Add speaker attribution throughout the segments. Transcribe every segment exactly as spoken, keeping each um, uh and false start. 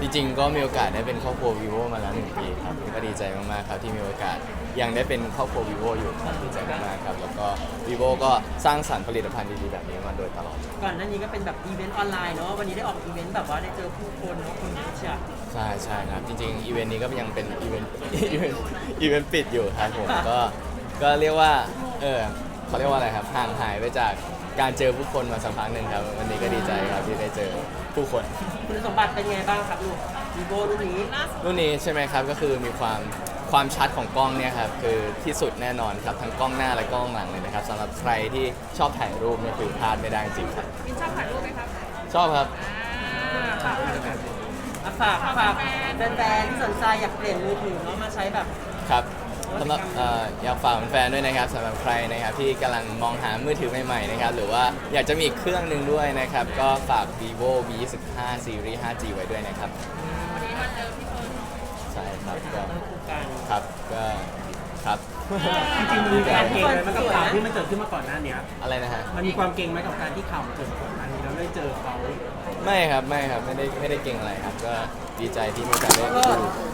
Speaker 1: จริงๆก็มีโอกาสได้เป็นครอบครัว vivo มาแล้วหนึ่งปีครับก็ดีใจมากๆครับที่มีโอกาสยังได้เป็นครอบครัว vivo อยู่ครับดีใจมากๆครับแล้วก็ vivo ก็สร้างสรรค์ผลิตภัณฑ์ดีๆแบบนี้มาโดยตลอด
Speaker 2: ก่อนหน้านี้ก็เป็นแบบอีเวนต์ออนไลน์เนาะวันนี้ได้ออกอีเวนต์แบบว่าได้เจอผู้คนเนาะคนเยอะเชียว
Speaker 1: ใช่ใช่ครับจริงๆอีเวนต์นี้ก็ยังเป็นอีเวนต์ อีเวนต์อีเวนต์ปิดอยู่ครับผมก็ก็เรียกว่าเออเขาเรียกว่าอะไรครับห่างหายไปจากการเจอผู้คนมาสักพักหนึ่งครับวันนี้ก็ดีใจครับที่ได้เจอผู้คน
Speaker 2: คุณสมบัติเป็นไงบ้างครับลูกวีโวรุ่นนี้
Speaker 1: รุ่นนี้ใช่ไหมครับก็คือมีความความชัดของกล้องเนี่ยครับคือที่สุดแน่นอนครับทั้งกล้องหน้าและกล้องหลังเลยนะครับสำหรับใครที่ชอบถ่ายรูปเนี่ยคือพลาดไม่ได้จริงๆครับ
Speaker 3: มินชอบถ่ายรูปไหมครับ
Speaker 1: ชอบครับ
Speaker 3: อ่าฝากเลยครับ
Speaker 2: อ่ะฝากฝากแฟนๆที่สนใจอยากเปลี่ยนมือถือเนาะมาใช้แบบ
Speaker 1: ครับสำหรับเอ่ออยากฝากแฟนๆด้วยนะครับสำหรับใครนะครับที่กำลังมองหามือถือใหม่ๆนะครับหรือว่าอยากจะมีอีกเครื่องหนึ่งด้วยนะครับก็ฝาก vivo วี ยี่สิบห้า series ห้าจี ไว้ด้วยนะครับ
Speaker 3: วันนี้มาเจอพี่เฟิร์น
Speaker 1: ใช่ครับก็
Speaker 2: เรื่องคู่กัน
Speaker 1: ครับก็ครับ
Speaker 4: จริงๆมันมีการเก่งไหมมันกับข่าวที่มันเกิดขึ้นมาก่อนหน้าเนี้ย
Speaker 1: อะไรนะฮะ
Speaker 4: มันมีความเก่งไหมกับการที่ข่าวมันเกิดมาก่อนหน้านี้แล้วได้เจอเขา
Speaker 1: ไม่ครับไม่ครับไม่ได้ไม่ได้เก่งอะไรครับก็ดีใจที่มีโอกาสได้ดู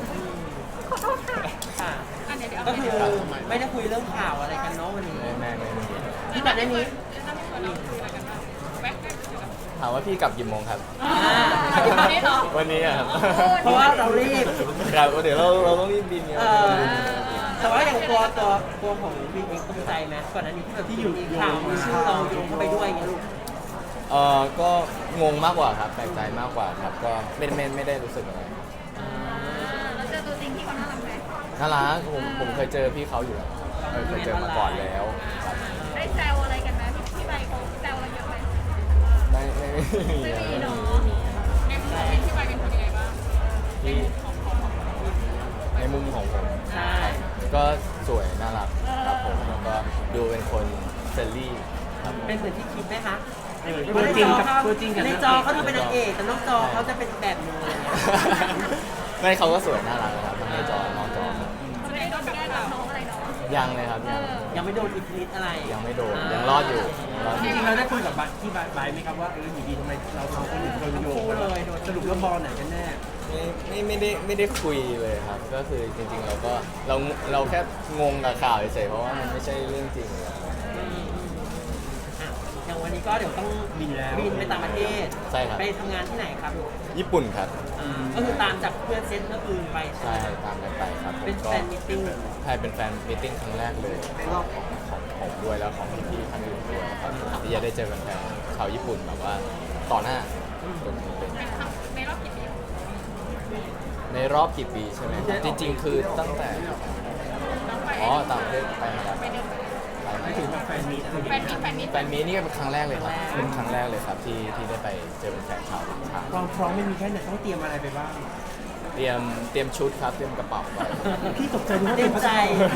Speaker 2: ค่ะ
Speaker 3: อันเดี๋ยวเดี๋ยว
Speaker 2: ก็
Speaker 3: เอา
Speaker 2: คือ
Speaker 3: ไป
Speaker 2: ไม่ได้คุยเรื่องข่าวอะไรกันเนาะวันนี้
Speaker 1: ไม่ไม่ไม่ไม่
Speaker 2: ที่ก่อนหน้านี้
Speaker 3: แล้วพี่เฟิร์นเราคุยอะไรกันบ้างแบ็คแบ็คคุยกัน
Speaker 1: ถามว่าพี่กลับกี่โมงครับ
Speaker 3: อ่าวันนี้เหรอ
Speaker 1: วันนี้อะครับ
Speaker 2: เพราะว่าเรารีบ
Speaker 1: ครับเดี๋ยวเราเราต้องรีบบินครับ
Speaker 2: เออแต่ว่าอย่างตัวตัวตัวของวินเองตกใจไหมก่อนหน้านี้ที่แบบที่อยู่ข่าวมีชื่อเราโยงเข้าไปด้วยอย่างเงี้ยลูก
Speaker 1: เออก็งงมากกว่าครับแปลกใจมากกว่าครับก็ไม่ไม่ไม่ได้รู้สึกอะไร
Speaker 3: แล้วเจอตัวจริงที่เขาน่ารักไหม
Speaker 1: น่ารักผมผมเคยเจอพี่เขาอยู่แล้วครับเคยเคยเจอมาก่อนแล้วครับ
Speaker 3: ได้แซวอะไรกันไหมพี่พี่ใบเขาแซวอะไรเยอะไหม
Speaker 1: ไม่ไม่ไม่มี
Speaker 3: ไม่
Speaker 1: ครับ
Speaker 3: มีเนาะในมุมของพี่ใบเป็นคนยังไงบ้าง
Speaker 1: ที่ในมุมของผม
Speaker 2: ใช่
Speaker 1: ก็สวยน่ารักครับผมแล้วก็ดูเป็นคนเฟรนลี่ครับ
Speaker 2: เป็นเหมือนที่คิดไหมคะ
Speaker 4: ตัวจริงกับตัวจริงกับ
Speaker 2: ในจอเขาดูเป็นนางเอกแต่นอกจอเขาจะเป็นแบบนึงอะไรเงี้ย
Speaker 1: ไม่เขาก็สวยน่ารักนะครับทั้งในจอนอกจอครับ
Speaker 3: จะได้โดนแก้รับน้องอะไรเนาะ
Speaker 1: ยังเลยครับยัง
Speaker 2: ยังไม่โดนอิทธิฤทธิ์อะไร
Speaker 1: ยังไม่โดนยังรอดอยู่ยังรอด
Speaker 4: จ
Speaker 1: อยู่
Speaker 4: ริงๆเราได้คุยกับบัตที่บายไหมครับว่าเอออยู่ดีทำไมเราสองคนถึงโดนโยงกันสรุปแล้วบอลไหนกันแน่
Speaker 1: ไม่ไม่ไม่ได้ไม่ได้คุยเลยครับ ก็คือจริงๆเราก็เราเราแค่งงกับข่าวเฉยๆเพราะว่ามันไม่ใช่เรื่องจริงเลย
Speaker 2: อ่ะอย่างวันนี้ก็เดี๋ยวต้อง
Speaker 4: บินแล้ว
Speaker 2: บินไปต่างประเทศ
Speaker 1: ใช่ครับ
Speaker 2: ไปทำงานที่ไหนครับลูก
Speaker 1: ญี่ปุ่นครับ
Speaker 2: อ่าก็คือตามจากเพื่อนเซตก็คือไปใช่
Speaker 1: ใช่
Speaker 2: ไหม
Speaker 1: ตามกันไปครับผม
Speaker 2: เป็น
Speaker 1: ก็
Speaker 2: แฟนมิทติ้ง
Speaker 1: ใช่เป็นแฟนมิทติ้งครั้งแรกเลยของของผมด้วยแล้วของพี่ๆท่านอื่นด้วยครับที่จะได้เจอแฟนๆชาวญี่ปุ่นแบบว่าต่อหน้าคนเป็น
Speaker 3: เป็นครั้งในรอบกี่ปี
Speaker 1: ในรอบกี่ปีใช่ไหมครับจริง ๆ คือตั้งแต่
Speaker 3: น้องไป
Speaker 1: อ๋อต่างประเทศไปมาแล้ว
Speaker 3: ไปเดิน
Speaker 1: ไปมา
Speaker 4: ไม่ถึงแบบแฟนมีตอะไรอย่าง
Speaker 3: แฟ
Speaker 4: เงี้
Speaker 3: น
Speaker 4: ย
Speaker 3: มีแฟนมี
Speaker 1: แฟนมีนี่ก็เป็นครั้งแรกเลยครับเป็นครั้งแรกเลยครับที่ที่ได้ไปเจอแฟนชาวต่างชาติ
Speaker 4: ความพร้อมไม่มีแค่ไหนต้องเตรียมอะไรไปบ้าง
Speaker 1: เตรียมเตรียมชุดครับเตรียมกระเป๋าไป
Speaker 4: พี่ตกใจนึกว่า
Speaker 2: เต็
Speaker 4: เป็น
Speaker 2: ม
Speaker 4: ภา
Speaker 2: ใจ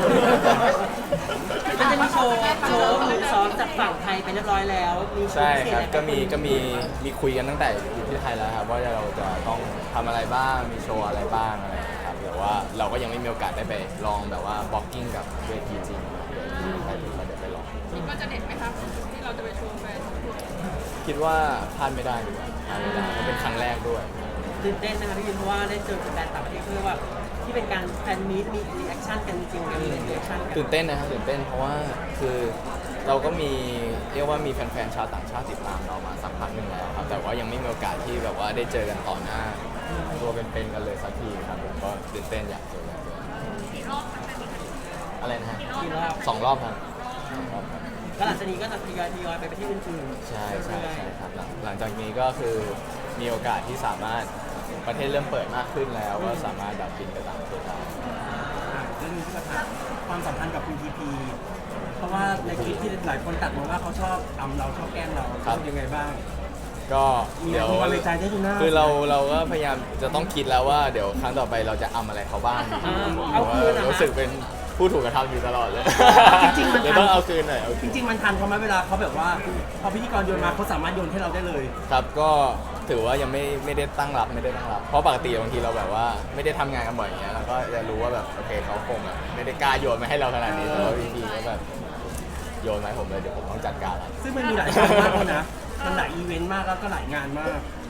Speaker 4: ษา
Speaker 2: มันจะมีโชว์โชว์หรือซ้อมจากฝั่งไทยไปเรียบร้อยแล้ว มีโช
Speaker 1: ใช่
Speaker 2: ว์พิเศษ
Speaker 1: ครับ
Speaker 2: อะไร
Speaker 1: ก็มีก็มีมีคุยกันตั้งแต่อยู่ที่ไทยแล้วครับว่าเราจะต้องทำอะไรบ้างมีโชว์อะไรบ้างอะไรอย่างเงี้ยครับแต่ว่าเราก็ยังไม่มีโอกาสได้ไปลองแบบว่าบล็อกกิ้งกับเวทีจริงใครที่เขาได้ไปลอง
Speaker 3: คิดว่าจะเด็ดไหมครับที่เราจะไปโชว์แฟน
Speaker 1: คิดว่าพลาดไม่ได้ดีกว่าพลาดไม่ได้เพราะเป็นครั้งแรกด้วย
Speaker 2: ตื่นเต้นนะคะพี่ยินเพราะว่าได้เจอแฟนต่างประเทศเพื่อว่าที่เป็นการแฟนมีตมีรีแอคชั่นกันจริงๆมีรีแอคชั่นกัน
Speaker 1: ตื่นเต้นนะครับตื่นเต้นเพราะว่าคือเราก็มีเรียกว่ามีแฟนๆชาวต่างชาติติดตามเรามาสักพักหนึ่งแล้วครับแต่ว่ายังไม่มีโอกาสที่แบบว่าได้เจอกันต่อหน้าตัวเป็นๆกันเลยสักทีครับผมก็ตื่นเต้นอยากเจอกันด้วย
Speaker 3: กี่รอบมันจะมี
Speaker 1: อะไรนะฮะ
Speaker 2: กี่รอบ
Speaker 1: สองรอบครับสองรอบครับ
Speaker 2: ก็หลังจากนี้ก็จะทยอยทยอยไปประเทศอื่นๆ
Speaker 1: ใช่ใช่
Speaker 2: เรื่อย
Speaker 1: ใช่ครับหลังหลังจากนี้ก็คือมีโอกาสที่สามารถประเทศเริ่มเปิดมากขึ้นแล้วก็สามารถดับบินไปต่างประเทศได้
Speaker 4: อ่ะเรื่องนี้ที่มาถามความสัมพันธ์กับคุณทีพีเพราะว่าในคลิปที่หลายคนตัดมาว่าเขาชอบอำเราชอบแกล้งเรารู้สึกยังไงบ้าง
Speaker 1: ก็
Speaker 4: มี
Speaker 1: เดี๋ยว
Speaker 4: มีความในใจได้ดูหน้า
Speaker 1: คือเราเราก็พยายามจะต้องคิดแล้วว่าเดี๋ยวครั้งต่อไปเราจะอำอะไรเขาบ้าง
Speaker 2: อ่าเอาคืนนะ
Speaker 1: รู้สึกเป็นผู้ถูกกระทำอยู่ตลอดเลย
Speaker 4: จริงๆมัน
Speaker 1: เดี๋ยวต้องเอาคืนหน่อยเอา
Speaker 4: จ
Speaker 1: คืน
Speaker 4: ริง ๆ มันทันเขาไหมเวลาเขาแบบว่าพอพิธีกรโยนมาเขาสามารถโยนให้เราได้เลย
Speaker 1: ครับก็ถือว่ายังไม่ไม่ได้ตั้งรับไม่ได้ตั้งรับ เพราะปกติบางทีเราแบบว่าไม่ได้ทำงานกันบ่อยอย่างเงี้ยเราก็จะรู้ว่าแบบโอเคเขาคงแบบไม่ได้กล้าโยนมาให้เราขนาดนี้แต่ว่าวิธีก็แบบโยนมาให้ผมเลยเดี๋ยวผมต้องจัดการละ
Speaker 4: ซึ่งมันมีหลายงานมากเลยนะ มันหลายอีเวนต์มากแล้วก็หลายงานมาก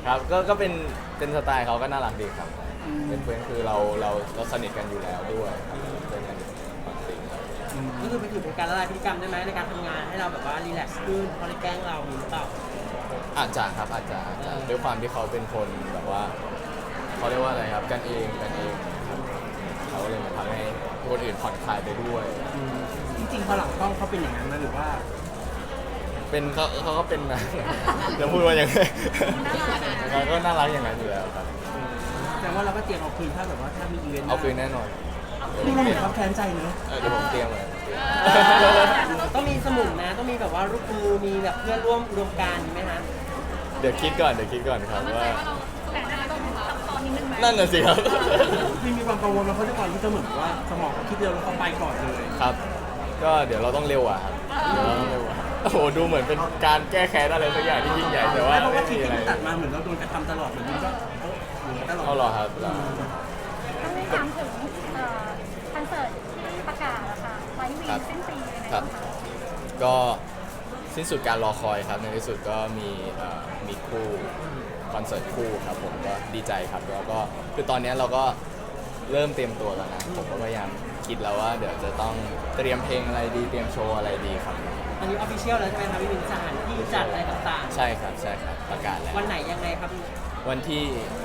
Speaker 1: ครับก็ก็เป็นเป็นสไตล์เขาก็น่ารักดีครับเป็นเพื่อนคือเราเราเราสนิทกันอยู่แล้วด้วยครับเพื่อนกันปกติครับ
Speaker 2: ก็คือไปถือเป็นการละลายพฤติกรรมได้ไหมในการทำงานให้เราแบบว่ารีแลกซ์ขึ้นเขาเลยแกล้งเรามีหรือเปล่า
Speaker 1: อาจจะครับอาจจะอาจจะด้วยความที่เขาเป็นคนแบบว่าเขาเรียกว่าอะไรครับกันเองกันเองนะครับเขาเลยมาทำให้คนอื่นผ่อนคลายไปด้วย
Speaker 4: จริงๆพอหลังกล้องเขาเป็นอย่างนั้นไหมหรือว่า
Speaker 1: เป็นเขาเขาก็เป็นนะ จะพูดว่าอย่างไรเขาก็น่ารักอย่างนั้นอยู่แล้วครับ
Speaker 4: แสดงว่าเราก็เตรียมเอาคืนถ้าแบบว่าถ้ามีอีเวนต์
Speaker 1: เอาคืนแน่นอน
Speaker 4: ดูเราเหมือนเขาแค้นใจเนอะ
Speaker 1: เออเดี๋ยวผมเตรียมเลย
Speaker 2: ต้องมีสมุนนะต้องมีแบบว่าลูกมือมีแบบเพื่อนร่วมอุดมการณ์มีไหมฮะ
Speaker 1: เดี๋ยวคิดก่อนเดี๋ยวคิดก่อนครับ
Speaker 3: มั่นใจ
Speaker 1: ว่า
Speaker 3: ว่าเราแต่หน้าต้องซับซ้อนนิดนึงไหม
Speaker 1: นั่นน่ะสิครับ
Speaker 4: มีมีความกังวลมาเพราะด้วยความที่เขาเหมือนว่าสมองเขาคิดเร็วแล้วเขาไปก่อนเลย
Speaker 1: ครับ ก็เดี๋ยวเราต้องเร็วอ่ะครับเดี๋ยวเราต้องเร็วอ่ะโอ้โหดูเหมือนเป็นการแก้แค้นอะไรสักอย่างที่ยิ่งใหญ่แต่ว่า
Speaker 4: เพราะ
Speaker 1: ไม่
Speaker 4: ว่าคลิ
Speaker 1: มี
Speaker 4: ป
Speaker 1: อะไร
Speaker 4: ที่ตัดมาเหมือนเราโดนกระทำตลอดเหมือนมันก็เออเหมือนตลอด
Speaker 1: เอาเหรอครับเหรอ
Speaker 5: ต้องไม่ถามถึงเอ่อคอนเสิร์ตที่ประกาศอะค่ะไว้วีสิ้นปีเลยนะ
Speaker 1: ครั
Speaker 5: คะ
Speaker 1: บ ก็สิ้นสุดการรอคอยครับในที่สุดก็มีเอ่อมีคู่คอนเสิร์ตคู่ครับผมก็ดีใจครับแล้วก็คือตอนนี้เราก็เริ่มเตรียมตัวแล้วนะผมก็พยายามคิดแล้วว่าเดี๋ยวจะต้องเตรียมเพลงอะไรดีเตรียมโชว์อะไรดีครับ
Speaker 2: อันนี้ออฟฟิเชียลแล้วใช่ไหมครับพี่วินสถานที่จัดอะไรต่าง
Speaker 1: ใช่ครับใช่ครับประกาศแล้ว
Speaker 2: ๆ วันไหนยังไงครับ
Speaker 1: วันที่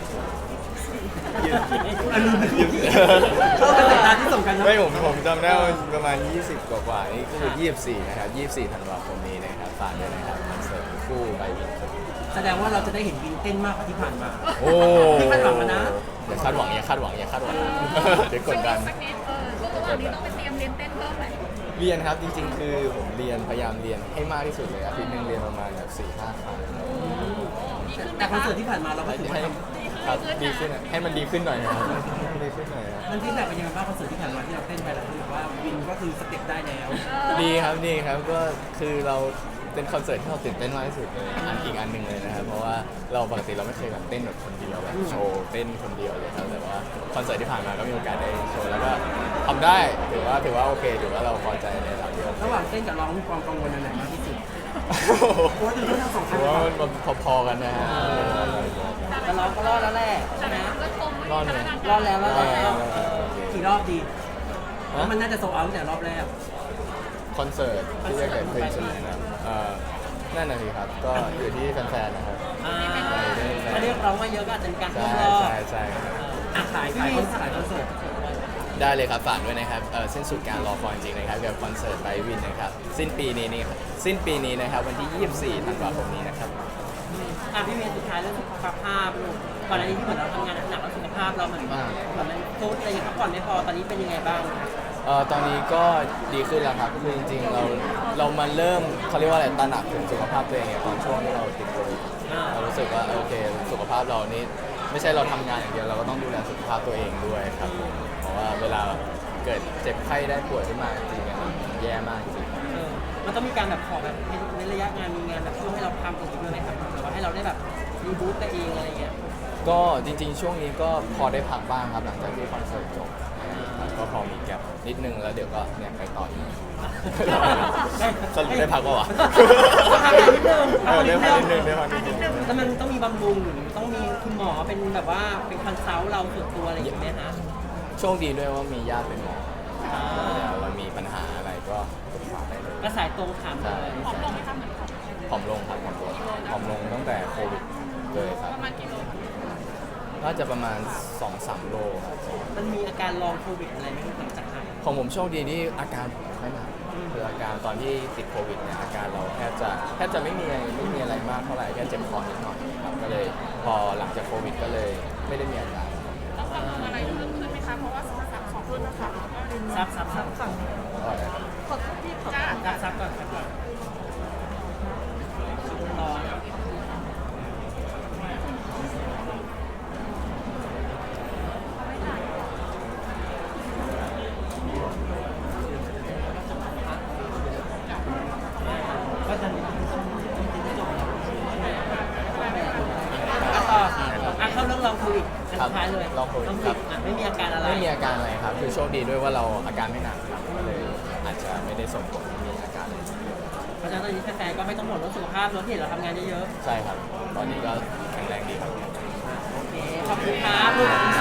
Speaker 4: อันนี้เข้ากับสายตาที่สำคัญนะ
Speaker 1: ไม่ผมผมจำได้ว่าประมาณ ยี่สิบ กว่ากว่าๆนี่ก็คือ ยี่สิบสี่ นะครับ ยี่สิบสี่ ธันวาคมนี้นะครับฝากด้วยนะครับคอนเสิร์ตคู่ใบวิน
Speaker 4: แสดงว่าเราจะได้เห็นวินเต้นมากกว่าที่ผ่านมา
Speaker 1: โอ้
Speaker 4: นี่คาดหวังแล้วนะ
Speaker 1: อย่าคาดหวังอย่าคาดหวังอย่าคาดหวัง เดี๋ยวกดดัน
Speaker 3: สักนิดเออช่วงระหว่างนี้ต้องไปเตรียมเรียนเต้นเพิ่มไหม
Speaker 1: เรียนครับจริงๆ คือผมเรียนพยายามเรียนให้มากที่สุดเลยอาทิตย์หนึงเรียนประมาณแบบสี่ห้าครั้ง
Speaker 3: ดีขึ้นไหม
Speaker 4: แต่คอน
Speaker 3: คะ
Speaker 4: เสิร์ตที่ผ่านมาเราก็ถือว่า
Speaker 1: ให้
Speaker 4: ทำ
Speaker 1: ครับดีขึ้นอะให้มันดีขึ้นหน่อยนะครับดีขึ้นหน่อยครับ
Speaker 4: มันฟีดแบ็กเป็นยังไงบ้างคอนเสิร์ตที่ผ่านมาที่เราเต้นไปแล้วคือว่าวินก็คือสเต็ปได้แล้ว
Speaker 1: ดีครับดีครับก็คือเราเป็นคอนเสิร์ตที่เราตื่นเต้นมากที่สุดเลยอันอีกอันหนึ่งเลยนะครับเพราะว่าเราปกติเราไม่เคยแบบเต้นแบบคนเดียวแบบโชว์เต้นคนเดียวเลยครับแต่ว่าคอนเสิร์ตที่ผ่านมาก็มีโอกาสได้โชว์แล้วก็ทำได้ถือว่าถือว่าโอเคถือว่าเราพอใจในระดับที่โอเค
Speaker 4: ระหว่างเต้นกับร้องมีความกังวลอันไหนมากที่สุดโอ้ยดูทั้งสองค
Speaker 1: ถื
Speaker 4: น
Speaker 1: อว่ามันพอๆกันนะฮะ
Speaker 2: แต่เราก็รอดแล้วแหละใช่ไหม
Speaker 3: ก็ชม
Speaker 1: รอดเลย
Speaker 2: รอดแล้วรอดแล้ว
Speaker 4: กี่รอบดี
Speaker 1: ฮะ
Speaker 4: มันน่าจะโซเอาตั้งแต่รอบแรก
Speaker 1: คอนเสิร์ตที่จะเกิดขึ้นใช่ไหมครับเอ่อนั่นน่ะสิครับก็อยู่ที่แฟนๆนะครับ
Speaker 2: อ่าถ้าเรียกร้องมาเยอะก็อาจจะมีการเพิ่
Speaker 1: ใช่
Speaker 2: มรอบ
Speaker 1: ใช่ใช่ครับ
Speaker 2: อ่ะ
Speaker 4: ขายขายคอนเสิร์ตขายคอนเสิร์ต
Speaker 1: ได้เลยครับฝากด้วยนะครับเอ่อสิ้นสุดการรอคอยจริงๆนะครับกับคอนเสิร์ตไบวินนะครับสิ้นปีนี้นี่ครับสิ้นปีนี้นะครับวันที่ ยี่สิบสี่ ธันวาคมนี้นะครับ
Speaker 2: อ่ะพี่เมย์สุดท้ายเรื่องสุขภาพลูกก่อนหน้านี้ที่เหมือนเราทำงานหนักแล้วสุขภาพเราเหมือนว่าเหมือนมันทุดอะไรอย่างเงี้ยพักผ่อนไม่พอตอนนี้เป็นยังไงบ้างคะ
Speaker 1: เอ่อตอนนี้ก็ดีขึ้นแล้วครับคือจริงๆเราเรามาเริ่มเขาเรียกว่าอะไรตระหนักถึงสุขภาพตัวเองเนี่ยตอนช่วงที่เราติดโควิดเรารู้สึกว่าโอเคสุขภาพเรานี่ไม่ใช่เราทำงานอย่างเดียวเราก็ต้องดูแลสุขภาพตัวเองด้วยครับผมเพราะว่าเวลาเกิดเจ็บไข้ได้ป่วยขึ้นมาจริงๆเนี่ยมันแย่มากจริง
Speaker 2: เออมันต้องมีการแบบขอแบบในระยะงานมีงานแบบช่วงให้เราทำตรงนี้ด้วยไหมครับหรือว่าให้เราได้แบบรีบูตตัวเองอะไรอย่างเงี้ย
Speaker 1: ก็จริงๆ ช่วงนี้ก็พอได้พักบ้างครับหลังจากที่คอนเสิร์ตจบครับก็พอมีแก็บนิดนึงแล้วเดี๋ยวก็เนี่ยไปต่ออีกสรุปได้พักปะวะ
Speaker 2: พักนิดนึง
Speaker 1: เออได้พักนิดนึงได้พักนิดนึง
Speaker 2: แล้วมันต้องมีบำรุงหรือต้องมีคุณหมอเป็นแบบว่าเป็นคอนซัลท์เราส่วนตัวอะไรอย่างเงี้ยฮะ
Speaker 1: โชคดีด้วยว่ามีญาติเป็นหมอ
Speaker 2: อ่า
Speaker 1: เดี๋ยวเรามีปัญหาอะไรก็ปรึกษาได้เลย
Speaker 2: ก็สายตรงถามเลย
Speaker 3: ผอมลงไหมคะเหมือนผอม
Speaker 1: ผอมลงครับผอมลงผอมลงตั้งแต่โควิดเลยครับ
Speaker 3: ประมาณกี่โลคะ
Speaker 1: น่าจะประมาณ สองสาม โลครับ
Speaker 2: มันมีอาการลองโควิดอะไรไหมหลังจากหาย
Speaker 1: ของผมโชคดีที่อาการไม่หนักคืออาการตอนที่ติดโควิดเนี่ยอาการเราแทบจะแทบจะไม่มีอะไรไม่มีอะไรมากเท่าไหร่แค่เจ็บคอนิดหน่อยครับก็เลยพอหลังจากโควิดก็เลยไม่ได้มีอาการ
Speaker 3: ต้องกังวลอะไรเพิ่มขึ้นไหมคะ เพราะว่าสักสองรุ่นนะคะ
Speaker 2: ซับซับซับฝั่ง
Speaker 1: ก็ได้ครับ
Speaker 3: ขอโทษที่ขอ
Speaker 2: จ้าซับซับก่อนซับก่อนรอก็จะมีอ่ะต่ออ่ะเข้าเรื่องลองโควิดอันสุดท้ายเลย
Speaker 1: ลองโควิด
Speaker 2: ลอง
Speaker 1: ครับ
Speaker 2: อ่ะไม่มีอาการอะไร
Speaker 1: ไม่มีอาการอะไรครับ คือโชคดีด้วยว่าเราอาการไม่หนักครับก็เลยอาจจะไม่ได้ส่งผลให้มีอาการอะไร
Speaker 2: เพราะฉะนั้นตอนนี้แฟนๆก็ไม่ต้องห่วงเรื่องสุขภาพเนอะที่เห็นเราทำงานเยอะ
Speaker 1: ใช่ครับ ตอนนี้ก็ข็งแรงดีครับ
Speaker 2: โอเคขอบคุณครับลูก